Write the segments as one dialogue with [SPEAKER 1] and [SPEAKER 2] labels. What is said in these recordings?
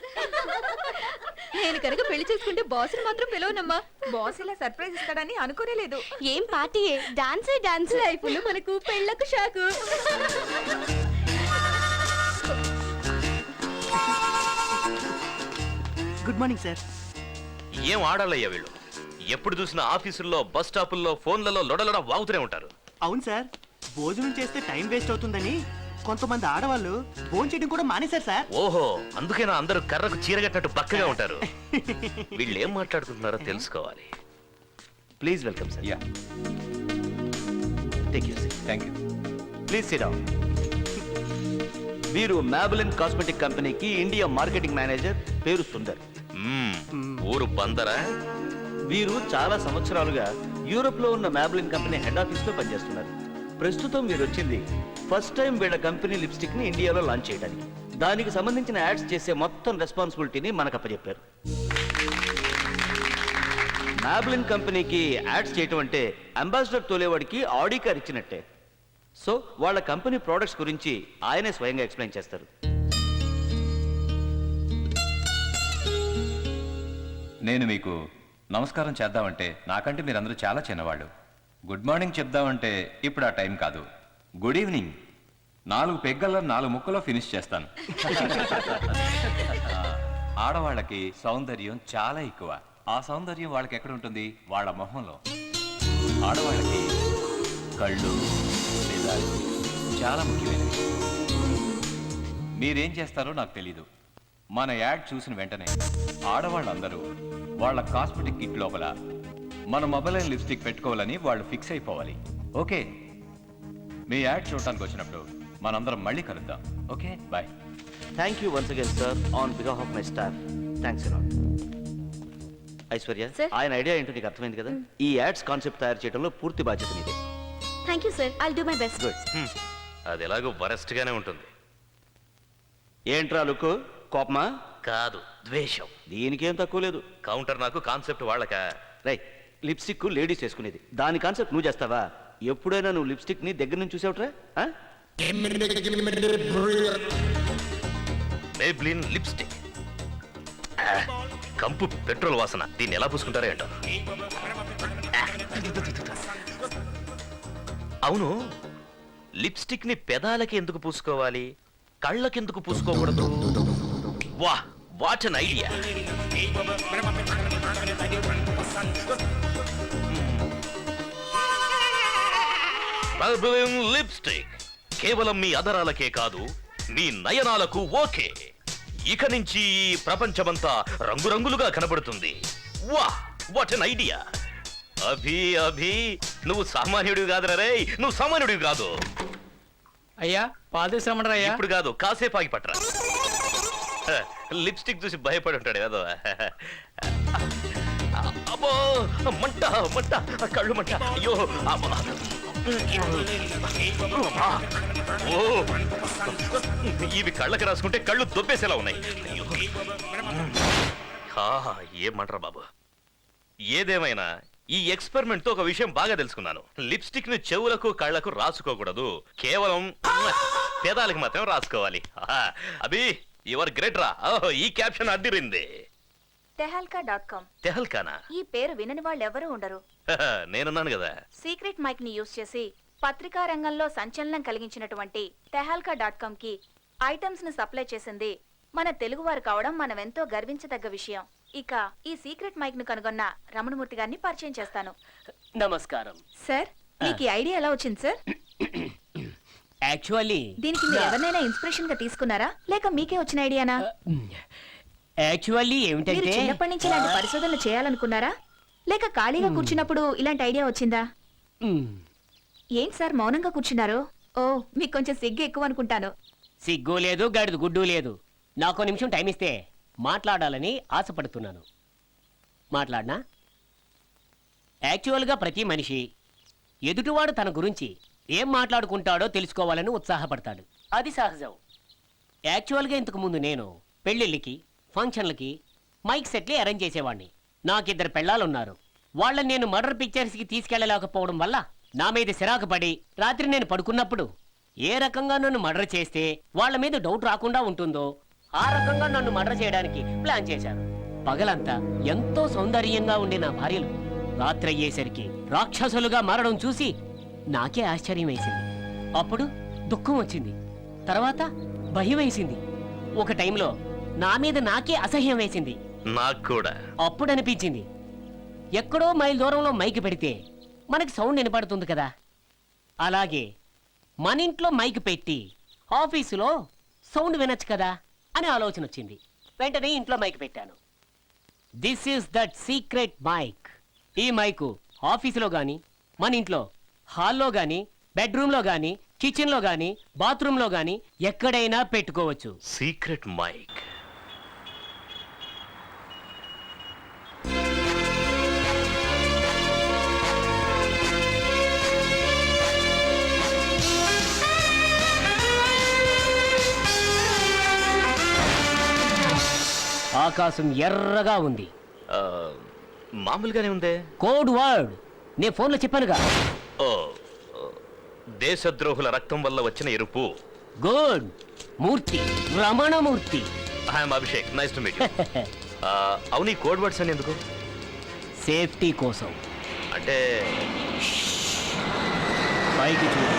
[SPEAKER 1] నేను కనుక పెళ్లి చేసుకుంటే బాస్ మాత్రం పిలవనమ్మా.
[SPEAKER 2] బాస్ ఇలా సర్ప్రైజ్ ఇస్తాడని అనుకోలేదు.
[SPEAKER 1] ఏం పార్టీ, డాన్సే డాన్స్. లైఫ్లో మనకు పెళ్ళకు షాకు.
[SPEAKER 3] Good morning sir.
[SPEAKER 4] ఏం ఆడాలయ్యా వీళ్ళు? ఎప్పుడు చూసినా ఆఫీసుల్లో, బస్ స్టాపుల్లో, ఫోన్లలో లొడలొడ వాగుతూనే ఉంటారు.
[SPEAKER 3] అవును సార్, భోజనం చేస్తే టైం వేస్ట్ అవుతుందని కొంతమంది ఆడవాళ్ళు భోజనం చేయడం కూడా మానేశారు సార్.
[SPEAKER 4] ఓహో, అందుకేనా అందరూ కర్రకు చీరగట్టినట్టు బక్కగా ఉంటారు. వీళ్ళు ఏం మాట్లాడుకుంటున్నారో తెలుసుకోవాలి. Please welcome sir.
[SPEAKER 5] Yeah,
[SPEAKER 4] take you seat.
[SPEAKER 5] Thank you.
[SPEAKER 6] Please sit down. వీరు మ్యాబెలిన్ కాస్మెటిక్ కంపెనీకి ఇండియా మార్కెటింగ్ మేనేజర్, పేరు సుందర్.
[SPEAKER 4] ఊరు బందరా?
[SPEAKER 6] వీరు చాలా సంవత్సరాలుగా యూరోప్ లో ఉన్న మ్యాబెలిన్ కంపెనీ హెడ్ ఆఫీస్ లో పనిచేస్తున్నారు. ప్రస్తుతం వీరు వచ్చింది ఫస్ట్ టైం వీళ్ళ కంపెనీ లిప్స్టిక్ ని ఇండియాలో లాంచ్ చేయడానికి. దానికి సంబంధించిన యాడ్స్ చేసే మొత్తం రెస్పాన్సిబిలిటీని మనకు అప్పచెప్పారు. మ్యాబెలిన్ కంపెనీకి యాడ్స్ చేయటం అంటే అంబాసిడర్ తోలేవాడికి ఆడి కార్ ఇచ్చినట్టే. సో వాళ్ళ కంపెనీ ప్రోడక్ట్స్ గురించి ఆయనే స్వయంగా ఎక్స్ప్లెయిన్ చేస్తారు.
[SPEAKER 5] నేను మీకు నమస్కారం చేద్దామంటే నాకంటే మీరందరూ చాలా చిన్నవాళ్ళు. గుడ్ మార్నింగ్ చెప్దామంటే ఇప్పుడు ఆ టైం కాదు. గుడ్ ఈవినింగ్ 4 పెగ్గల్లో 4 ముక్కలో ఫినిష్ చేస్తాను. ఆడవాళ్ళకి సౌందర్యం చాలా ఎక్కువ. ఆ సౌందర్యం వాళ్ళకి ఎక్కడ ఉంటుంది? వాళ్ళ మొహంలో. ఆడవాళ్ళకి కళ్ళు, పెదాలు చాలా ముఖ్యమైనవి. మీరేం చేస్తారో నాకు తెలీదు. మన యాడ్ చూసిన వెంటనే ఆడవాళ్ళందరూ వాళ్ళ కాస్మెటిక్ కిట్ లోపల మన మొబైల్ లిప్స్టిక్ పెట్టుకోవాలని వాళ్ళు ఫిక్స్ అయిపోవాలి. ఓకే, మీ యాడ్ చూడటానికి వచ్చినప్పుడు మనందరం మళ్ళీ కలుద్దాం. Okay, bye.
[SPEAKER 6] Thank you once again sir on behalf of my staff. Thanks a lot. Aishwarya, ఆయన ఐడియా ఏంటో నీకు అర్థమైంది కదా. ఈ యాడ్స్ కాన్సెప్ట్ తయారు చేయడంలో పూర్తి బాధ్యత నీదే.
[SPEAKER 1] Thank you sir, I'll do my best.
[SPEAKER 6] Good.
[SPEAKER 4] అది ఎలాగో వరస్ట్ గానే ఉంటుంది.
[SPEAKER 6] ఏంట్రా లుక్కు, కోపమా?
[SPEAKER 4] కాదు, ద్వేషం.
[SPEAKER 6] దీనికేం తక్కువ లేదు.
[SPEAKER 4] కౌంటర్ నాకు, కాన్సెప్ట్ వాళ్ళక.
[SPEAKER 6] రై, లిప్స్టిక్ లేడీస్ వేసుకునేది, దాని కాన్సెప్ట్ నువ్వు చేస్తావా? ఎప్పుడైనా నువ్వు లిప్స్టిక్ ని దగ్గర నుంచి చూసావుట్రా?
[SPEAKER 4] మేబ్లిన్ లిప్స్టిక్, కంపు పెట్రోల్ వాసన. దీన్ని ఎలా పూసుకుంటారో ఏంటో. అవును, లిప్స్టిక్ ని పెదాలకి ఎందుకు పూసుకోవాలి, కళ్ళకి ఎందుకు పూసుకోకూడదు? వా, what an idea. Maybelline lipstick కేవలం మీ అదరాలకే కాదు, మీ నయనాలకు ఓకే. ఇక నుంచి ఈ ప్రపంచమంతా రంగురంగులుగా కనబడుతుంది. వా, వాట్ అన్ ఐడియా. అభి అభి, నువ్వు సామాన్యుడివి కాదురా రే, నువ్వు సామాన్యుడివి కాదు.
[SPEAKER 7] అయ్యా, పాలు తీసుకురమ్మంటారా?
[SPEAKER 4] ఇప్పుడు కాదు, కాసేపు ఆగి పట్టరా. లిప్స్టిక్ చూసి భయపడి ఉంటాడు కదా. అబ్బో, మంట మంట, కళ్ళు మంట. అయ్యో, ఓ, ఇవి కళ్ళకి రాసుకుంటే కళ్ళు దొబ్బేసేలా ఉన్నాయి. ఏమంటారా బాబు. ఏదేమైనా ఈ ఎక్స్పెరిమెంట్ తో ఒక విషయం బాగా తెలుసుకున్నాను. లిప్స్టిక్ ని చెవులకు, కళ్ళకు రాసుకోకూడదు, కేవలం పేదాలకు మాత్రం రాసుకోవాలి. అభి, యువర్ గ్రేట్ రా. ఈ క్యాప్షన్ అడ్డిరింది.
[SPEAKER 2] tehalka.com.
[SPEAKER 4] తెహల్కానా?
[SPEAKER 2] ఈ పేరు వినని వాళ్ళు ఎవరూ ఉండరు.
[SPEAKER 4] నేనున్నాను కదా.
[SPEAKER 2] సీక్రెట్ మైక్ ని యూజ్ చేసి పత్రికా రంగంలో సంచలనం కలిగించినటువంటి tehalka.com కి ఐటమ్స్ ను సప్లై చేసింది మన తెలుగువారు కావడం మనం ఎంతో గర్వించదగ్గ విషయం. ఇక ఈ సీక్రెట్ మైక్ ను కనుగొన్న రమణమూర్తి గారిని పరిచయం చేస్తాను.
[SPEAKER 8] నమస్కారం
[SPEAKER 2] సార్, మీకు ఈ ఐడియా ఎలా వచ్చింది సార్?
[SPEAKER 8] యాక్చువల్లీ
[SPEAKER 2] దీనికి మీరు ఎవరినైనా ఇన్స్పిరేషన్ గా తీసుకున్నారా, లేక మీకే వచ్చిన ఐడియానా?
[SPEAKER 8] యాక్చువల్లీ
[SPEAKER 2] మీరు
[SPEAKER 8] ఏమిటంటే
[SPEAKER 2] చిన్నప్పటి నుంచి ఇలాంటి పరిశోధనలు చేయాలనుకున్నారా, లేక ఖాళీగా కూర్చున్నప్పుడు ఇలాంటి ఐడియా వచ్చిందా? ఏంటి సార్ మౌనంగా కూర్చున్నారు? ఓ, మీకు కొంచెం సిగ్గు ఎక్కువ అనుకుంటాను.
[SPEAKER 8] సిగ్గు లేదు, గడిది గుడ్డు లేదు. నాకు నిమిషం టైం ఇస్తే మాట్లాడాలని ఆశపడుతున్నాను. మాట్లాడనా? యాక్చువల్గా ప్రతి మనిషి ఎదుటివాడు తన గురించి ఏం మాట్లాడుకుంటాడో తెలుసుకోవాలని ఉత్సాహపడతాడు. అది సహజం. యాక్చువల్గా ఇంతకు ముందు నేను పెళ్ళిళ్ళకి, ఫంక్షన్లకి మైక్ సెట్లే అరేంజ్ చేసేవాడిని. నాకిద్దరు పెళ్ళాలున్నారు. వాళ్ళని నేను మర్డర్ పిక్చర్స్కి తీసుకెళ్లలేకపోవడం వల్ల నా మీద సిరాకు పడి రాత్రి నేను పడుకున్నప్పుడు ఏ రకంగా నన్ను మర్డర్ చేస్తే వాళ్ళ మీద డౌట్ రాకుండా ఉంటుందో ఆ రకంగా నన్ను మర్డర్ చేయడానికి ప్లాన్ చేశారు. పగలంతా ఎంతో సౌందర్యంగా ఉండే నా భార్యలు రాత్రి అయ్యేసరికి రాక్షసులుగా మారడం చూసి నాకే ఆశ్చర్యం వేసింది. అప్పుడు దుఃఖం వచ్చింది, తర్వాత భయం వేసింది, ఒక టైంలో నా మీద నాకే అసహ్యం వేసింది.
[SPEAKER 4] నాకు కూడా.
[SPEAKER 8] అప్పుడు అనిపించింది, ఎక్కడో మైల్ దూరంలో మైక్ పెడితే మనకి సౌండ్ వినపడుతుంది కదా, అలాగే మన ఇంట్లో మైక్ పెట్టి ఆఫీసులో సౌండ్ వినొచ్చు కదా అని ఆలోచన వచ్చింది. వెంటనే ఇంట్లో మైక్ పెట్టాను. This is that secret mic. ఈ మైకు ఆఫీసులో గాని, మన ఇంట్లో హాల్లో గాని, బెడ్రూమ్లో గాని, కిచెన్లో గాని, బాత్రూంలో గాని ఎక్కడైనా పెట్టుకోవచ్చు.
[SPEAKER 4] Secret mic.
[SPEAKER 8] ఆకాశం ఎర్రగా ఉంది.
[SPEAKER 4] ఆ, మామూలుగానే ఉందే.
[SPEAKER 8] కోడ్ వర్డ్ నేను ఫోన్లో చెప్పానుగా.
[SPEAKER 4] ఓ, దేశద్రోహుల రక్తం వల్ల వచ్చిన ఎరుపు.
[SPEAKER 8] Good. Murthy, Ramanamurthy.
[SPEAKER 4] I'm Abhishek, nice to meet you. అవును, ఈ కోడ్ వర్డ్స్ అని ఎందుకు?
[SPEAKER 8] సేఫ్టీ కోసం.
[SPEAKER 4] అంటే
[SPEAKER 8] పైకి చూడు.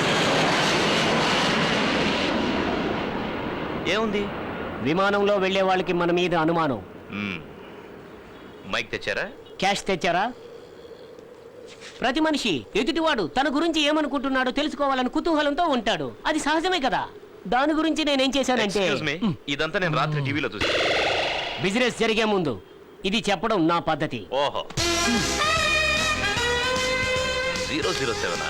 [SPEAKER 4] ఏముంది?
[SPEAKER 8] విమానంలో వెళ్లే వాళ్ళకి మన మీద అనుమానం.
[SPEAKER 4] మ్మ్. మైక్ తెచ్చారా?
[SPEAKER 8] క్యాష్ తెచ్చారా? ప్రతి మనిషి ఎదుటివాడు తన గురించి ఏమనుకుంటున్నాడో తెలుసుకోవాలని కుతూహలంతో ఉంటాడు. అది సహజమే కదా. దాని గురించి నేనేం చేశానంటే,
[SPEAKER 4] Excuse me, ఇదంతా నేను రాత్రి టీవీలో చూసి.
[SPEAKER 8] బిజినెస్ జరిగే ముందు ఇది చెప్పడం నా పద్ధతి.
[SPEAKER 4] ఓహో, 007.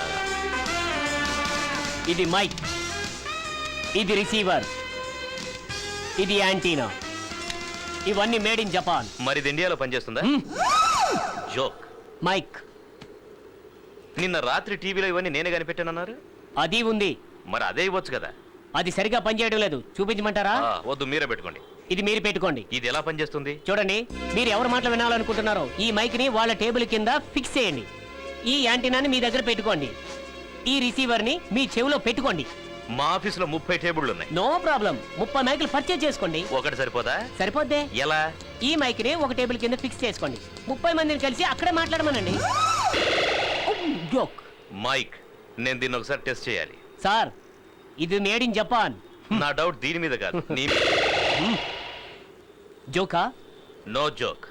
[SPEAKER 8] ఇది మైక్, ఇది రిసీవర్, ఇది యాంటీనా. ఇవన్నీ మేడ్ ఇన్ జపాన్.
[SPEAKER 4] మరి ఇది ఇండియాలో పనిచేస్తుందా? జోక్.
[SPEAKER 8] మైక్
[SPEAKER 4] నిన్న రాత్రి టీవీలో ఇవన్నీ నేనే కనిపెట్టానన్నారు.
[SPEAKER 8] అది ఉంది.
[SPEAKER 4] మరి అదే ఇవ్వచ్చు కదా.
[SPEAKER 8] అది సరిగా పనిచేయడం లేదు. చూపించమంటారా?
[SPEAKER 4] వద్దు, మీరే పెట్టుకోండి.
[SPEAKER 8] ఇది మీరు పెట్టుకోండి.
[SPEAKER 4] ఇది ఎలా పనిచేస్తుంది?
[SPEAKER 8] చూడండి, మీరు ఎవరి మాటలు వినాలనుకుంటున్నారో ఈ మైక్ ని వాళ్ళ టేబుల్ కింద ఫిక్స్ చేయండి. ఈ యాంటీనాని మీ దగ్గర పెట్టుకోండి. ఈ రిసీవర్ ని మీ చెవిలో పెట్టుకోండి.
[SPEAKER 4] మా ఆఫీసులో 30 టేబుళ్ళు ఉన్నాయి.
[SPEAKER 8] No problem. 30 మైకులు పర్చేజ్ చేసుకోండి.
[SPEAKER 4] ఒకటి సరిపోదా?
[SPEAKER 8] సరిపోద్దే.
[SPEAKER 4] ఎలా?
[SPEAKER 8] ఈ మైక్ ని ఒక టేబుల్ కింద ఫిక్స్ చేసుకోండి. 30 మందిని కలిసి అక్కడే మాట్లాడమనండి. జోక్.
[SPEAKER 4] మైక్, నేను దీన్ని ఒకసారి టెస్ట్ చేయాలి.
[SPEAKER 8] సార్, ఇది మేడ్ ఇన్ జపాన్.
[SPEAKER 4] నా డౌట్ దీని మీద కాదు, నీ మీద.
[SPEAKER 8] జోకా?
[SPEAKER 4] No joke.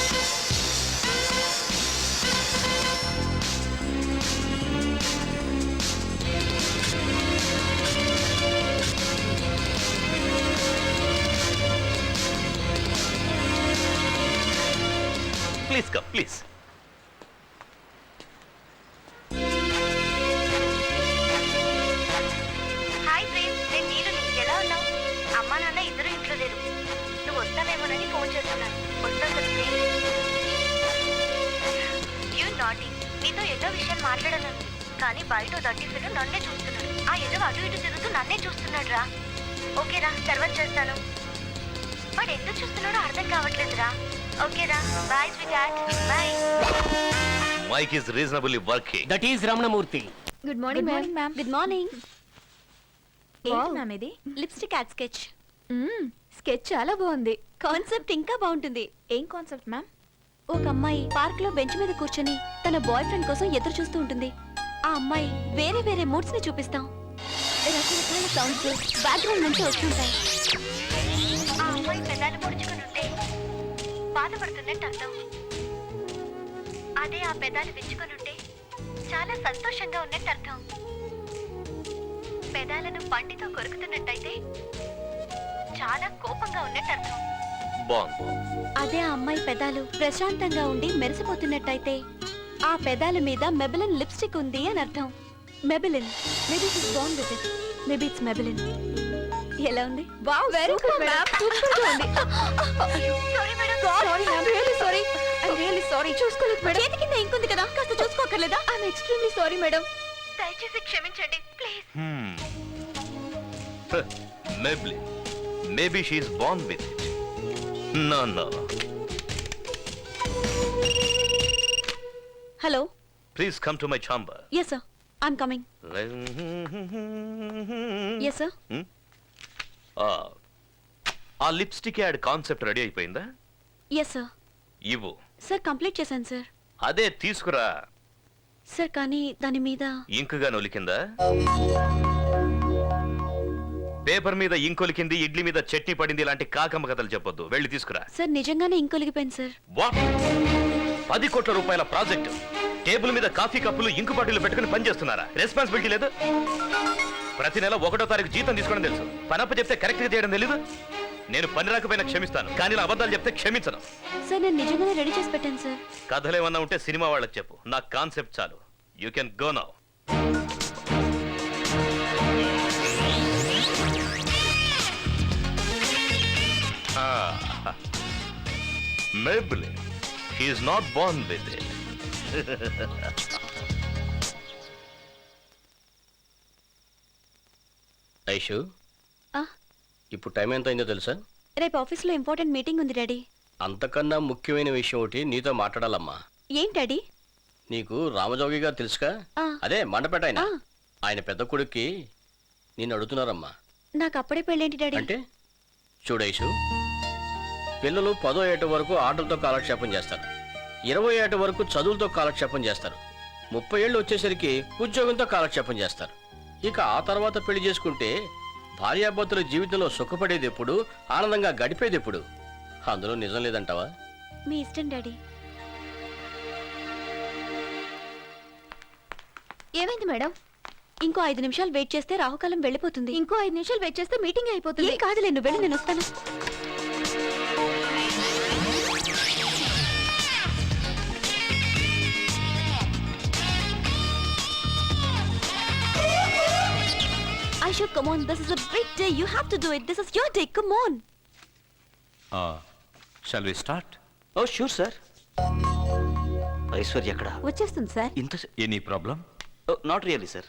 [SPEAKER 4] Please come, please.
[SPEAKER 1] Hi Prem, నేను నీరుని. ఎలా ఉన్నావు? అమ్మా నాన్న ఇద్దరు ఇంట్లో లేరు. నువ్వు వస్తావేమోనని ఫోన్ చేస్తున్నాను. వస్తావు కదా ప్రేమ్? You naughty. నీతో ఎన్నో విషయాలు మాట్లాడాలని, కానీ బయట దట్టిఫిలు నన్నే చూస్తున్నాడు. ఆ ఎదో అటు ఇటు తిరుగుతూ నన్నే చూస్తున్నాడు రా. ఓకేరా, తర్వాత చేస్తాను. వాడు ఎందుకు చూస్తున్నాడో అర్థం కావట్లేదురా. ఓకేరా, bye sweet. Bye.
[SPEAKER 4] Mic is reasonably working.
[SPEAKER 8] That is Ramanamurthy.
[SPEAKER 1] Good morning ma'am. Good morning.
[SPEAKER 2] ఏంటి మ్యామ్ ఇది?
[SPEAKER 1] Lipstick ad sketch. స్కెచ్ చాలా బాగుంది. కాన్సెప్ట్ ఇంకా బాగుంటుంది.
[SPEAKER 2] ఏం కాన్సెప్ట్ మ్యామ్?
[SPEAKER 1] ఒక అమ్మాయి పార్క్ లో బెంచ్ మీద కూర్చొని తన బాయ్ ఫ్రెండ్ కోసం ఎదురు చూస్తూ ఉంటుంది. ఆ అమ్మాయి వేరే వేరే మూడ్స్ ని చూపిస్తాం. రకరకాల సౌండ్స్ బ్యాక్గ్రౌండ్ నుంచి వస్తుంటాయి. ఆ అమ్మాయి పెదాలు పొడుచుకుని ఉంటే బాధపడుతున్నట్టు అర్థం. అదే ఆ పెదాలు విచ్చుకొని ఉంటే చాలా సంతోషంగా ఉన్నట్టు అర్థం. పెదాలను పంటితో కొరుకుతున్నట్టయితే చాలా కోపంగా ఉన్నట్టు అర్థం.
[SPEAKER 4] బాగుంది.
[SPEAKER 1] అదే ఆ అమ్మాయి పెదాలు ప్రశాంతంగా ఉండి మెరిసిపోతున్నట్టయితే ఆ పెదాల మీద మెబిలిన్ లిప్స్టిక్ ఉంది అని అర్థం. Maybelline. Maybe it's bond with it. Maybe it's Maybelline. ఎలా ఉంది? Wow, very good ma'am. Super గా ఉంది. Sorry madam. Sorry ma'am. Really sorry. I am really sorry. చూసుకోలేదు మేడం. చేతి కింద ఇంక్ ఉంది కదా, కాస్త చూసుకోకర్లేదా? I am extremely sorry madam. దయచేసి క్షమించండి please.
[SPEAKER 4] Maybe. Maybe she is born with it. No, no.
[SPEAKER 1] Hello.
[SPEAKER 4] Please come to my chamber.
[SPEAKER 1] yes sir, I'm coming. yes sir.
[SPEAKER 4] ఆ లిప్స్టిక్ యాడ్ కాన్సెప్ట్ రెడీ అయిపోయిందా?
[SPEAKER 1] Yes sir.
[SPEAKER 4] ఇవ్వు.
[SPEAKER 1] Sir complete చేశాను sir.
[SPEAKER 4] అదే తీసుకురా.
[SPEAKER 1] Sir కానీ దాని మీద
[SPEAKER 4] ఇంకుగా నొలికిందా? Paper మీద ఇంకొలికింది, ఇడ్లీ మీద చట్నీ పడింది ఇలాంటి కాకమ్మ కథలు చెప్పొద్దు. వెళ్ళి తీసుకురా.
[SPEAKER 1] సార్ నిజంగానే ఇంకొలిగిపోయింది సార్.
[SPEAKER 4] వాట్? 10 కోట్ల రూపాయల ప్రాజెక్టు టేబుల్ మీద కాఫీ కప్పులు ఇంకు బాటిల్ పెట్టుకుని పనిచేస్తున్నారా? రెస్పాన్సిబిలిటీ లేదు? ప్రతి నెల 1వ తారీఖు జీతం తీసుకోవడం తెలుసు, పనప్ప చెప్తే కరెక్ట్ గా చేయడం తెలీదు. నేను పని రాకపోయినా క్షమిస్తాను, కానీ ఇలా అబద్ధాలు చెప్తే క్షమించను.
[SPEAKER 1] సార్ నేను నిజంగానే రెడీ చేసి పెట్టాను సార్.
[SPEAKER 4] కథలు ఏమన్నా ఉంటే సినిమా వాళ్ళకి చెప్పు, నా కాన్సెప్ట్ చాలు. You can go now. Maybelline. He is not born with it.
[SPEAKER 9] Aishu,
[SPEAKER 1] ఆ,
[SPEAKER 9] ఇప్పుడు టైం ఎంత అయిందో తెలుసా?
[SPEAKER 1] రేపు ఆఫీస్లో ఇంపార్టెంట్ మీటింగ్ ఉంది డాడీ.
[SPEAKER 9] అంతకన్నా ముఖ్యమైన విషయం ఒకటి నీతో మాట్లాడాలమ్మా.
[SPEAKER 1] ఏంటి డాడీ?
[SPEAKER 9] నీకు రామజోగి గారు తెలుసుగా?
[SPEAKER 1] ఆ.
[SPEAKER 9] అదే మండపేట ఆయన.
[SPEAKER 1] ఆ.
[SPEAKER 9] ఆయన పెద్ద కొడుక్కి నిన్ను అడుగుతున్నారమ్మా.
[SPEAKER 1] నాకు అప్పుడే పెళ్ళేంటి డాడీ?
[SPEAKER 9] అంటే చూడు ఐషు, పిల్లలు 10వ ఏట వరకు ఆటలతో కాలక్షేపం చేస్తారు, 20వ ఏట వరకు చదువులతో కాలక్షేపం చేస్తారు, 30 ఏళ్ళు వచ్చేసరికి ఉద్యోగంతో కాలక్షేపం చేస్తారు. ఇక ఆ తర్వాత పెళ్లి చేసుకుంటే భార్యాభర్తల జీవితంలో సుఖపడేది ఎప్పుడు, ఆనందంగా గడిపేది ఎప్పుడు? అందులో నిజం లేదంటావా?
[SPEAKER 1] మీ ఇష్టం డాడీ.
[SPEAKER 2] ఏమైంది మేడం?
[SPEAKER 1] ఇంకో 5 నిమిషాలు వెయిట్ చేస్తే రాహుకాలం వెళ్ళిపోతుంది.
[SPEAKER 2] ఇంకో 5 నిమిషాలు వెయిట్ చేస్తే మీటింగ్ అయిపోతుంది.
[SPEAKER 1] ఏం కాదులే, నువ్వు వెళ్ళి నేను వస్తాను. Aisha, come on. This is a big day. You have to do it. This is your day. Come on.
[SPEAKER 5] Shall we start?
[SPEAKER 6] Oh sure sir. Aishwarya ఎక్కడ?
[SPEAKER 1] వచ్చేస్తుంది సార్.
[SPEAKER 6] ఇంత
[SPEAKER 5] any problem?
[SPEAKER 6] Not really sir.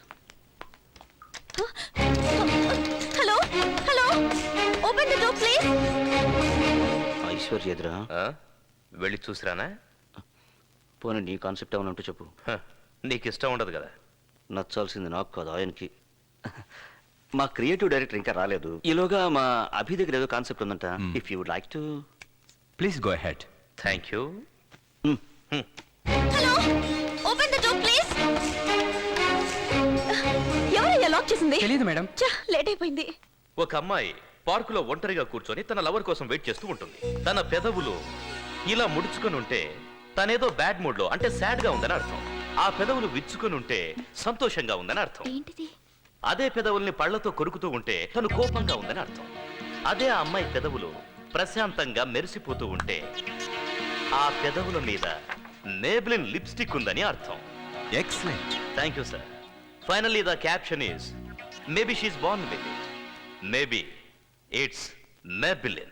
[SPEAKER 1] Hello hello, open the door please.
[SPEAKER 6] Aishwarya ఎదురా?
[SPEAKER 4] వెళ్ళి చూసిరానా?
[SPEAKER 6] పోనీ నీ concept ఏమైనా ఉంటే చెప్పు.
[SPEAKER 4] నీకు ఇష్టం ఉండదు కదా.
[SPEAKER 6] నచ్చాల్సింది నాకు కాదు, ఆయనకి. మా క్రియేటివ్ డైరెక్టర్ ఇంకా రాలేదు. ఈలోగా మా అభి దగ్గర ఏదో కాన్సెప్ట్ ఉందంట. If you would like to
[SPEAKER 5] please go ahead.
[SPEAKER 4] Thank you.
[SPEAKER 1] Hello, open the door please. ఎవరయ్యా లాక్ చేసింది?
[SPEAKER 7] తెలియదు మేడం.
[SPEAKER 1] లేట్ అయిపోయింది.
[SPEAKER 4] ఒక అమ్మాయి పార్కులో ఒంటరిగా కూర్చొని తన లవర్ కోసం వెయిట్ చేస్తూ ఉంటుంది. తన పెదవులు ఇలా ముడుచుకొని ఉంటే తనేదో బ్యాడ్ మూడ్ లో, అంటే సాడ్ గా ఉందని అర్థం. ఆ పెదవులు విచ్చుకొని ఉంటే సంతోషంగా ఉందని అర్థం.
[SPEAKER 1] ఏంటిది?
[SPEAKER 4] అదే పెదవుల్ని పళ్లతో కొరుకుతూ ఉంటే తను కోపంగా ఉందని అర్థం. అదే ఆ అమ్మాయి పెదవులు ప్రశాంతంగా మెరిసిపోతూ ఉంటే ఆ పెదవుల మీద మేబ్లిన్ లిప్స్టిక్ ఉందని అర్థం.
[SPEAKER 5] Excellent.
[SPEAKER 4] Thank you sir. Finally the caption is maybe she is born with it, maybe it's Maybelline.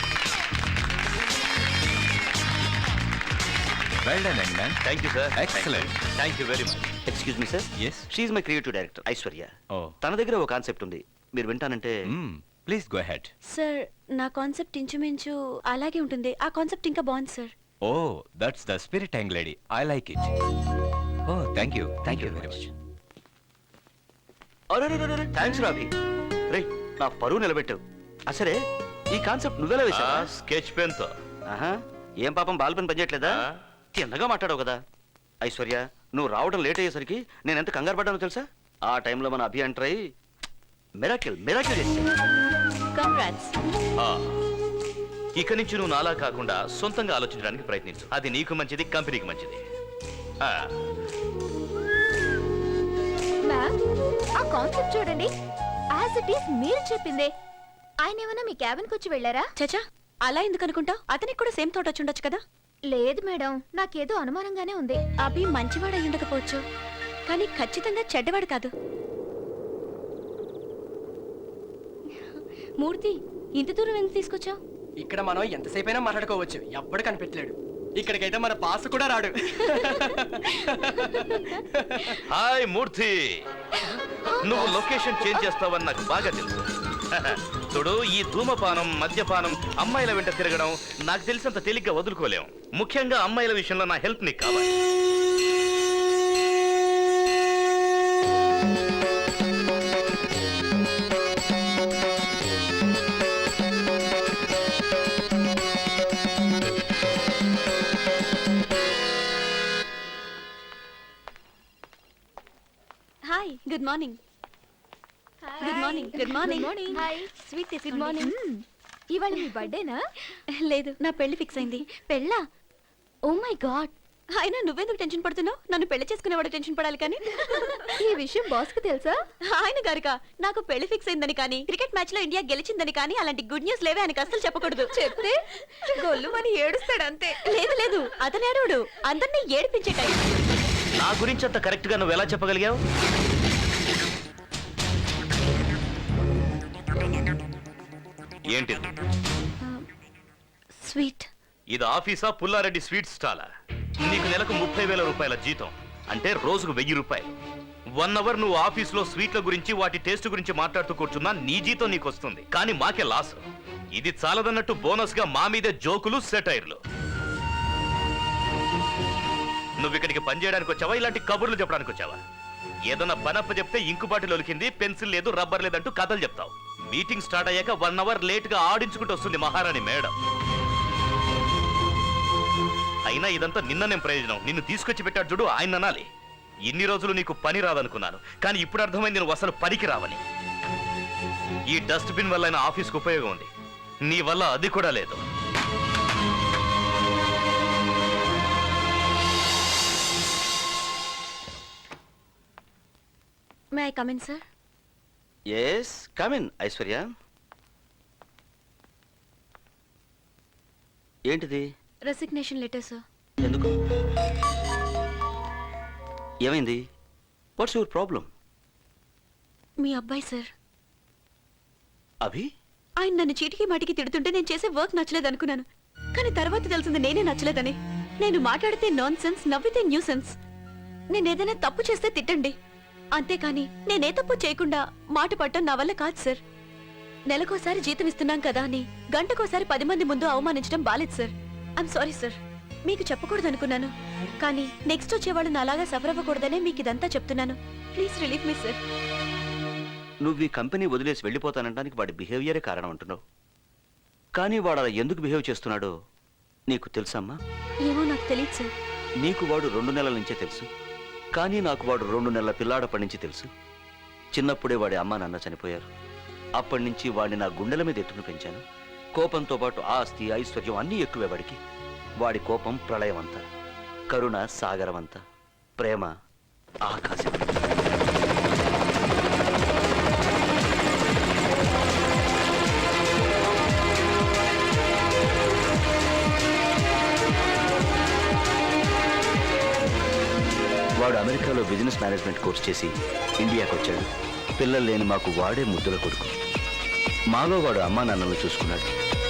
[SPEAKER 5] Well done young man.
[SPEAKER 4] Thank you sir.
[SPEAKER 5] Excellent.
[SPEAKER 4] Thank you very much.
[SPEAKER 6] Excuse me sir.
[SPEAKER 5] Yes.
[SPEAKER 6] She is my creative director Aishwarya.
[SPEAKER 5] Oh.
[SPEAKER 6] తన దగ్గర ఒక concept ఉంది, మీరు వింటానంటే.
[SPEAKER 5] Please go ahead.
[SPEAKER 1] Sir నా concept ఇంచుమించు అలాగే ఉంటుంది. ఆ కాన్సెప్ట్ ఇంకా బాగుంది sir.
[SPEAKER 5] Oh, that's the spirit young lady. I like it. Oh, thank you very much.
[SPEAKER 6] Thanks రాబి. రే, నా పరువు నిలబెట్టావు. అసలే ఈ కాన్సెప్ట్ నువ్వెలా వేసావా?
[SPEAKER 4] స్కెచ్ పెన్ తో.
[SPEAKER 6] ఆహా, ఏం పాపం బాల్ పెన్ పనిచేయట్లేదా? తిన్నగా మాట్లాడావు కదా. ఐశ్వర్య, నువ్వు రావడం లేట్ అయ్యేసరికి నేను ఎంత కంగారు పడ్డానో తెలుసా? ఆ టైంలో మన అభి ఎంటర్ అయ్యి మిరాకిల్ చేశాడు.
[SPEAKER 1] కంగ్రాట్స్.
[SPEAKER 4] ఇక నుంచి నువ్వు నాలా కాకుండా సొంతంగా ఆలోచించడానికి ప్రయత్నించు. అది నీకు మంచిది, కంపెనీకి మంచిది.
[SPEAKER 2] మ్యామ్, ఆ కాన్సెప్ట్ చూడండి. యాజ్ ఇట్ ఈస్ మీరు చెప్పిందే. ఆయన ఏమైనా మీ క్యాబిన్కి వచ్చి వెళ్ళారా?
[SPEAKER 1] చచా, అలా ఎందుకు అనుకుంటావు? అతనికి కూడా సేమ్ థాట్ వచ్చి ఉండొచ్చు కదా.
[SPEAKER 2] లేదు మేడం, నాకేదో అనుమానంగానే ఉంది.
[SPEAKER 1] అభి మంచివాడు అయి ఉండకపోవచ్చు, కానీ ఖచ్చితంగా చెడ్డవాడు కాదు. మూర్తి, ఇంత దూరం ఎందుకు తీసుకొచ్చావు?
[SPEAKER 7] ఇక్కడ మనం ఎంతసేపైనా మాట్లాడుకోవచ్చు, ఎవ్వడు కనిపెట్టలేడు. ఇక్కడికైతే మన బాస్ కూడా రాడు.
[SPEAKER 4] హాయ్ మూర్తి, నువ్వు లొకేషన్ చేంజ్ చేస్తావని నాకు బాగా తెలుసు. చూడు, ఈ ధూమపానం, మద్యపానం, అమ్మాయిల వెంట తిరగడం నాకు తెలిసినంత తేలిగ్గా వదులుకోలేం. ముఖ్యంగా అమ్మాయిల విషయంలో నా హెల్ప్ నీకు కావాలి.
[SPEAKER 1] Good morning. Good morning. Good morning.
[SPEAKER 2] Hi
[SPEAKER 1] sweet good morning.
[SPEAKER 2] ఇవాళ మీ బర్త్డేనా?
[SPEAKER 1] లేదు, నా పెళ్లి ఫిక్స్ అయింది.
[SPEAKER 2] పెళ్ళా? Oh my god.
[SPEAKER 1] అయినా నువ్వెందుకు టెన్షన్ పడుతున్నావు? నన్ను పెళ్లి చేసుకునేవాడు టెన్షన్ పడాలి కానీ.
[SPEAKER 2] ఈ విషయం బాస్ కు తెలుసా?
[SPEAKER 1] ఆయన గారికా నాకు పెళ్లి ఫిక్స్ అయిందని కానీ క్రికెట్ మ్యాచ్ లో ఇండియా గెలిచిందని కానీ అలాంటి గుడ్ న్యూస్ లేవే ఆయనకు అస్సలు చెప్పకూడదు.
[SPEAKER 2] చెప్తే గొల్లు అని ఏడుస్తాడు అంతే.
[SPEAKER 1] లేదు లేదు, అతను ఏడవడు, అందరినీ ఏడిపించే టైం.
[SPEAKER 4] నా గురించి అంత కరెక్ట్ గా నువ్వు ఎలా చెప్పగలిగావు? ఏంటిది?
[SPEAKER 1] స్వీట్.
[SPEAKER 4] ఇది ఆఫీసా పుల్లారెడ్డి స్వీట్ స్టాలా? నీకు నెలకు 30,000 రూపాయల జీతం, అంటే రోజుకు 1000 రూపాయలు. 1 అవర్ నువ్వు ఆఫీసులో స్వీట్ల గురించి వాటి టేస్ట్ గురించి మాట్లాడుతూ కూర్చున్నా నీ జీతం నీకు వస్తుంది, కానీ మాకే లాస్. ఇది చాలదన్నట్టు బోనస్ గా మా మీదే జోకులు, సెటైర్లు. నువ్వు ఇక్కడికి పని చేయడానికి వచ్చావా, ఇలాంటి కబుర్లు చెప్పడానికి వచ్చావా? ఏదన్నా పనప్ప చెప్తే ఇంకు బాటిల్ ఒలికింది, పెన్సిల్ లేదు, రబ్బర్ లేదంటూ కథలు చెప్తావు. మీటింగ్ స్టార్ట్ అయ్యాక 1 అవర్ లేట్ గా ఆడించుకుంటూ వస్తుంది మహారాణి మేడం. అయినా ఇదంతా నిన్ననేం ప్రయోజనం? నిన్ను తీసుకొచ్చి పెట్టాడు చూడు, ఆయన అనాలి. ఇన్ని రోజులు నీకు పని రాదనుకున్నాను, కానీ ఇప్పుడు అర్థమైంది నువ్వు అసలు పనికి రావని. ఈ డస్ట్ బిన్ వల్ల అయినా ఆఫీస్కి ఉపయోగం ఉంది, నీ వల్ల అది కూడా లేదు.
[SPEAKER 1] May I come in sir?
[SPEAKER 6] Yes come in Aishwarya. ఏంటిది?
[SPEAKER 1] Resignation letter sir.
[SPEAKER 6] ఎందుకు? ఏమైంది? What's your problem?
[SPEAKER 1] మీ అబ్బాయి సార్.
[SPEAKER 6] అభి?
[SPEAKER 1] ఆయన నన్ను చీటికి మాటికి తిడుతుంటే నేను చేసే వర్క్ నచ్చలేదు అనుకున్నాను, కానీ తర్వాత తెలిసింది నేనే నచ్చలేదని. నేను మాట్లాడితే నాన్ సెన్స్, నవ్వితే న్యూ సెన్స్. నేనేదైనా తప్పు చేస్తే తిట్టండి, అంతేకాని నేనే తప్పు చేయకుండా మాట పట్టడం నా వల్ల కాదు సార్. నెలకోసారి జీతం ఇస్తున్నాం కదా అని గంటకోసారి 10 మంది ముందు అవమానించడం బాలేదు సార్. I'm sorry sir. మీకు చెప్పకూడదు అనుకున్నాను, కానీ నెక్స్ట్ వచ్చేవాళ్ళు నాలాగా సఫర్ అవ్వకూడదనే మీకు ఇదంతా చెప్తున్నాను. Please relieve me sir.
[SPEAKER 6] నువ్వు ఈ కంపెనీ వదిలేసి వెళ్ళిపోతానంటానికి వాడి బిహేవియరే కారణం అంటున్నావు, కానీ వాడు అలా ఎందుకు బిహేవ్ చేస్తున్నాడో నీకు తెలుసమ్మా?
[SPEAKER 1] ఏమో నాకు తెలియదు సార్.
[SPEAKER 6] నీకు వాడు 2 నెలల నుంచే తెలుసు, కానీ నాకు వాడు 2 నెలల పిల్లాడప్పటి నుంచి తెలుసు. చిన్నప్పుడే వాడి అమ్మా నాన్న చనిపోయారు. అప్పటి నుంచి వాడిని నా గుండెల మీద ఎత్తుకుని పెంచాను. కోపంతో పాటు ఆస్తి, ఐశ్వర్యం అన్నీ ఎక్కువే వాడికి. వాడి కోపం ప్రళయమంతా, కరుణ సాగరమంతా, ప్రేమ ఆకాశం. వాడు అమెరికాలో బిజినెస్ మేనేజ్మెంట్ కోర్స్ చేసి ఇండియాకి వచ్చాడు. పిల్లలు లేని మాకు వాడే ముద్దుల కొడుకు. మాలో వాడు అమ్మా నాన్నలు చూసుకున్నాడు.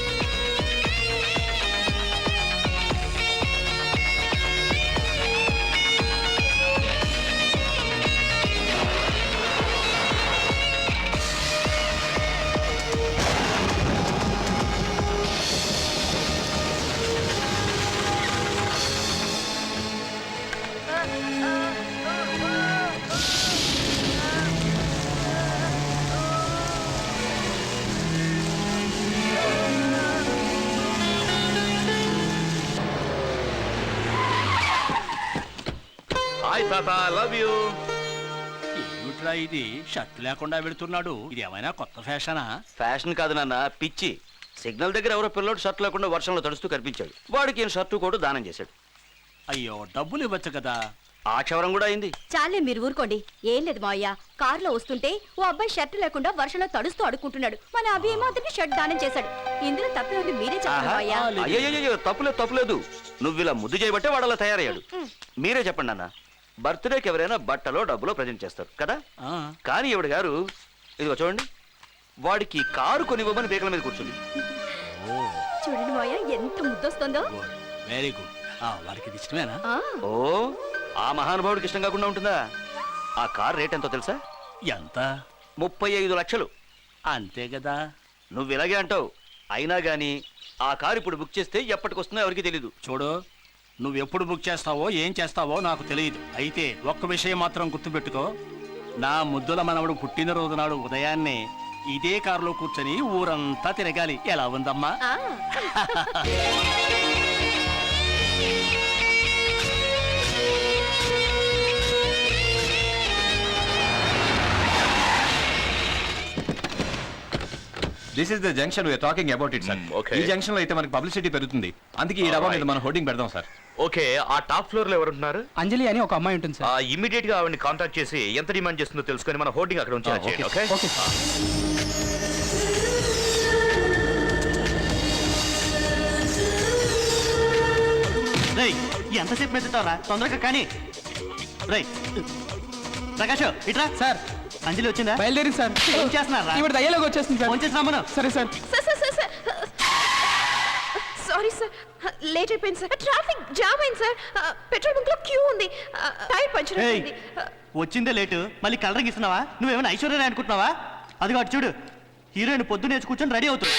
[SPEAKER 4] హాయ్ తాత, లవ్ యూ.
[SPEAKER 10] ఏమిట్రా ఇది? షర్ట్ లేకుండా వెళుతున్నాడు, ఇది ఏమైనా కొత్త ఫ్యాషనా?
[SPEAKER 6] ఫ్యాషన్ కాదు నాన్న, పిచ్చి. సిగ్నల్ దగ్గర ఎవరో పిల్లోడు షర్ట్ లేకుండా వర్షంలో తడుస్తూ కనిపించాడు. వాడికి ఈయన షర్టు కూడా దానం చేశాడు.
[SPEAKER 10] అయ్యో, డబ్బులు ఇవ్వచ్చు కదా.
[SPEAKER 6] ఆ క్షవరం కూడా అయింది.
[SPEAKER 1] చాలే మీరు ఊరుకోండి. ఏం లేదు మావయ్య, కారులో వస్తుంటే ఓ అబ్బాయి షర్ట్ లేకుండా వర్షంలో తడుస్తూ అడుక్కుంటున్నాడు. మన అభి ఏమో అతన్ని షర్ట్ దానం చేశాడు. ఇందులో తప్పే ఉంది, మీరే చెప్పండి మావయ్య.
[SPEAKER 6] అయ్యో, తప్పులేదు. నువ్వు ఇలా ముద్దు చేయబట్టే వాడు అలా తయారయ్యాడు. మీరే చెప్పండి అన్న. బర్త్డేకి ఎవరైనా బట్టలో డబ్బులో ప్రజెంట్ చేస్తారు కదా, కానీ ఈవిడ గారు ఇదిగో చూడండి, వాడికి కారు కొనివ్వమని బేకల మీద కూర్చుంది.
[SPEAKER 1] చూడండి మావయ్య, ఎంత ముద్దొస్తుందో.
[SPEAKER 10] Very good. వాడికి ఇది ఇష్టమేనా?
[SPEAKER 6] ఓ, ఆ మహానుభావుడికి ఇష్టం కాకుండా ఉంటుందా? ఆ కార్ రేట్ ఎంతో తెలుసా?
[SPEAKER 10] ఎంత?
[SPEAKER 6] 35 లక్షలు.
[SPEAKER 10] అంతే కదా.
[SPEAKER 6] నువ్వు ఇలాగే అంటావు, అయినా గానీ ఆ కారు ఇప్పుడు బుక్ చేస్తే ఎప్పటికొస్తుందో ఎవరికి తెలీదు.
[SPEAKER 10] చూడు, నువ్వు ఎప్పుడు బుక్ చేస్తావో ఏం చేస్తావో నాకు తెలియదు. అయితే ఒక్క విషయం మాత్రం గుర్తుపెట్టుకో, నా ముద్దుల మనవడు పుట్టినరోజు నాడు ఉదయాన్నే ఇదే కారులో కూర్చొని ఊరంతా తిరగాలి. ఎలా ఉందమ్మా?
[SPEAKER 5] This is the junction we are talking about it sir.
[SPEAKER 4] okay.
[SPEAKER 5] ఈ జంక్షన్ లో అయితే మనకి పబ్లిసిటీ పెరుగుతుంది, అందుకే ఈ డబ్బా మీద మనం హోర్డింగ్ పెడదాం సార్.
[SPEAKER 4] ఓకే, ఆ టాప్ ఫ్లోర్ లో ఎవరుంటున్నారు?
[SPEAKER 7] అంజలి అని ఒక అమ్మాయి ఉంటుంది సార్.
[SPEAKER 4] ఇమీడియట్ గా ఆవిడని కాంటాక్ట్ చేసి ఎంత డిమాండ్ చేస్తుందో తెలుసుకొని మన హోర్డింగ్ అక్కడ ఉంచేలా చేయండి. Okay
[SPEAKER 7] okay sir.
[SPEAKER 3] రేయ్ ఎంతసేపు మెత్తుతావరా, తొందరగా కానీ. రేయ్ ప్రకాష్ ఇట్రా.
[SPEAKER 7] సార్
[SPEAKER 3] అంజలి వచ్చిందా?
[SPEAKER 7] బయలుదేరింది సార్.
[SPEAKER 3] ఏం చేస్తున్నారా?
[SPEAKER 7] ఈవిడ దయ్యలోకి వచ్చేస్తుంది సార్.
[SPEAKER 3] ఫోన్ చేసి రమ్మను.
[SPEAKER 7] సరే సార్.
[SPEAKER 1] సారీ సార్, లేట్ అయిపోయింది సార్. ట్రాఫిక్ జామ్ అయింది సార్. పెట్రోల్ బంక్ లో క్యూ ఉంది. టైర్ పంచర్
[SPEAKER 3] ఏయ్,
[SPEAKER 1] అయింది.
[SPEAKER 3] వచ్చిందే లేటు, మళ్ళీ కలరింగ్ ఇస్తున్నావా? నువ్వేమైనా ఐశ్వర్య అనుకుంటున్నావా? అది అటు చూడు, హీరోయిన్ పొద్దున్నే వచ్చి కూర్చొని రెడీ అవుతుంది.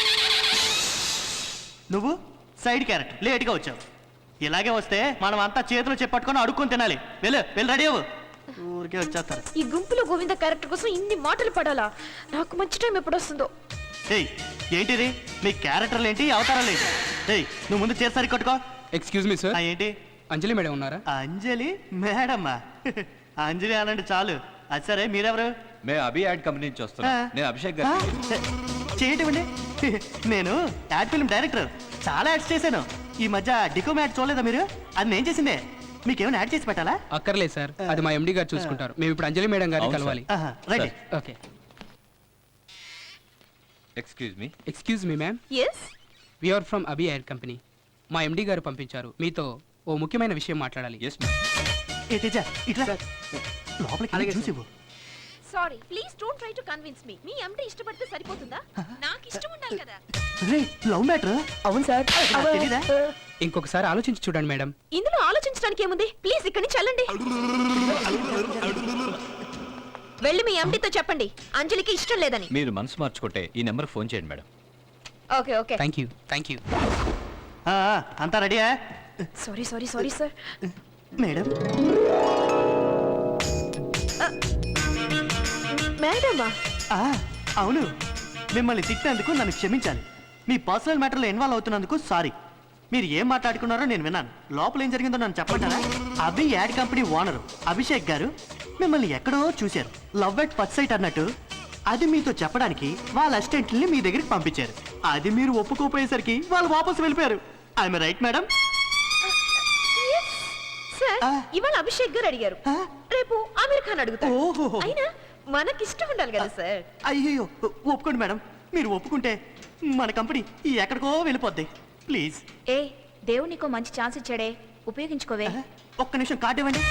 [SPEAKER 3] నువ్వు సైడ్ క్యారెక్టర్ లేట్గా వచ్చావు. ఇలాగే వస్తే మనం అంతా చేతులు చెప్పట్టుకొని అడుక్కొని తినాలి. వెళ్ళి రెడీ అవ్వు. ఊరికే వచ్చేస్తారు.
[SPEAKER 1] ఈ గుంపులో గోవింద క్యారెక్టర్ కోసం ఇన్ని మాటలు పడాలా? నాకు మంచి టైం ఎప్పుడు వస్తుందో.
[SPEAKER 3] ఏయ్ ఏంటిది? మీ క్యారెక్టర్లు ఏంటి, అవతారాలు ఏంటి? ఏయ్ నువ్వు ముందు చేసారి కొట్టుకో.
[SPEAKER 7] Excuse me sir.
[SPEAKER 3] ఏంటి?
[SPEAKER 7] అంజలి మేడం ఉన్నారా?
[SPEAKER 3] అంజలి మేడమ్మా? అంజలి అనండి చాలు. అది సరే, మీరెవరు?
[SPEAKER 5] మేము అభి యాడ్ కంపెనీ నుంచి వస్తున్నాం. నేను అభిషేక్ గారు.
[SPEAKER 3] చేయటండి. నేను యాడ్ ఫిల్మ్ డైరెక్టర్, చాలా యాడ్స్ చేశాను. ఈ మధ్య డికోమ్ యాడ్ చూడలేదా మీరు? అది నేను చేసిందే. మీకేమైనా యాడ్ చేసి పెట్టాలా?
[SPEAKER 7] అక్కర్లేదు సార్, అది మా ఎండి గారు చూసుకుంటారు. మేము ఇప్పుడు అంజలి మేడం గారిని
[SPEAKER 5] అవును
[SPEAKER 7] కలవాలి.
[SPEAKER 3] Right.
[SPEAKER 7] Okay.
[SPEAKER 5] Excuse me.
[SPEAKER 7] Excuse me ma'am,
[SPEAKER 1] yes,
[SPEAKER 7] we are from Abhi air company. మా ఎండి గారు పంపించారు, మీతో ఓ ముఖ్యమైన విషయం మాట్లాడాలి.
[SPEAKER 5] Yes ma'am.
[SPEAKER 3] ఇట్లా లోపలికి
[SPEAKER 7] అలాగే
[SPEAKER 3] చూసి ఇవ్వు.
[SPEAKER 1] Sorry, please don't try to convince me. మీ అమ్మ ఇష్టపడితే సరిపోతుందా? నాకు ఇష్టం ఉండాలి కదా.
[SPEAKER 3] Love matter.
[SPEAKER 1] అవును సార్.
[SPEAKER 3] తెలీదా?
[SPEAKER 7] ఇంకొకసారి ఆలోచించి చూడండి మేడం.
[SPEAKER 1] ఇందులో ఆలోచించడానికి ఏముంది? ప్లీజ్ ఇక్కడి నుంచి వెళ్ళండి. వెళ్ళి మీ ఎండితో చెప్పండి అంజలికి ఇష్టం లేదని.
[SPEAKER 5] మీరు మనసు మార్చుకుంటే ఈ నెంబర్ ఫోన్ చేయండి madam.
[SPEAKER 1] Okay okay.
[SPEAKER 7] Thank you, thank you.
[SPEAKER 3] అంతా రెడీయా?
[SPEAKER 1] Sorry sorry sorry sir.
[SPEAKER 3] Madam
[SPEAKER 1] మేడమా?
[SPEAKER 3] అవును, మిమ్మల్ని తిట్టినందుకు నన్ను క్షమించాలి. మీ పర్సనల్ మ్యాటర్లో ఇన్వాల్వ్ అవుతున్నందుకు సారీ. మీరు ఏం మాట్లాడుకున్నారో నేను విన్నాను. లోపల ఏం జరిగిందో నన్ను చెప్పంటారా? Abhi ad company owner Abhishek garu మిమ్మల్ని ఎక్కడో చూశారు, లవ్ ఎట్ ఫస్ట్ సైట్ అన్నట్టు. అది మీతో చెప్పడానికి వాళ్ళ అసిస్టెంట్ని మీ దగ్గరికి పంపించారు. అది మీరు ఒప్పుకోపోయేసరికి వాళ్ళు వాపసు వెళ్ళిపోయారు. I'm right madam?
[SPEAKER 1] సార్, ఇవాళ అభిషేక్ గారు అడిగారు, రేపు ఆమీర్ ఖాన్ అడుగుతారు.
[SPEAKER 3] ఓహో.
[SPEAKER 1] అయినా మనకిష్టం ఉండాలి కదా సార్.
[SPEAKER 3] అయ్యో, ఒప్పుకోండి మేడం. మీరు ఒప్పుకుంటే మన కంపెనీ ఎక్కడికో వెళ్ళిపోద్ది. ప్లీజ్.
[SPEAKER 2] ఏ దేవుడు నీకో మంచి ఛాన్స్ ఇచ్చాడే, ఉపయోగించుకోవే.
[SPEAKER 3] ఒక్క నిమిషం కార్డు ఇవ్వండి.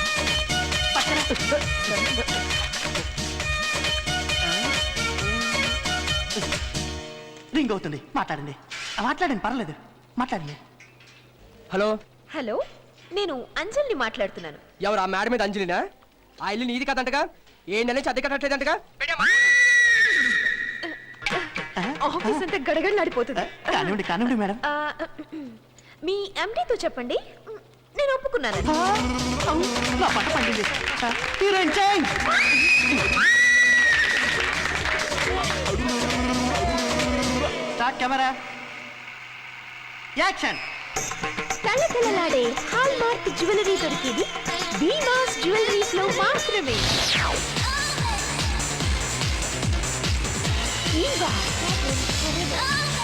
[SPEAKER 3] రింగ్ అవుతుంది, మాట్లాడండి. మాట్లాడండి, పర్లేదు, మాట్లాడండి.
[SPEAKER 7] హలో.
[SPEAKER 1] హలో, నేను అంజలిని మాట్లాడుతున్నాను.
[SPEAKER 7] ఎవరు? ఆ మేడం మీద అంజలినా? ఆ ఇల్లు నీది కదంటగా, ఏ నెల నుంచి అద్దె కట్టట్లేదంటగా.
[SPEAKER 1] ఆఫీస్ అంతా గడగడలాడిపోతుంది.
[SPEAKER 3] కానివ్వండి కానివ్వండి మేడం.
[SPEAKER 1] మీ ఎండితో చెప్పండి నేను ఒప్పుకున్నాను.
[SPEAKER 3] నా పట్ట పండింది. Heroine change. Start camera, action.
[SPEAKER 1] కళకళలాడే హాల్ మార్క్ జ్యువెలరీ దొరికేది భీమాస్ జ్యువెలరీస్ లో మాత్రమే. ఈవా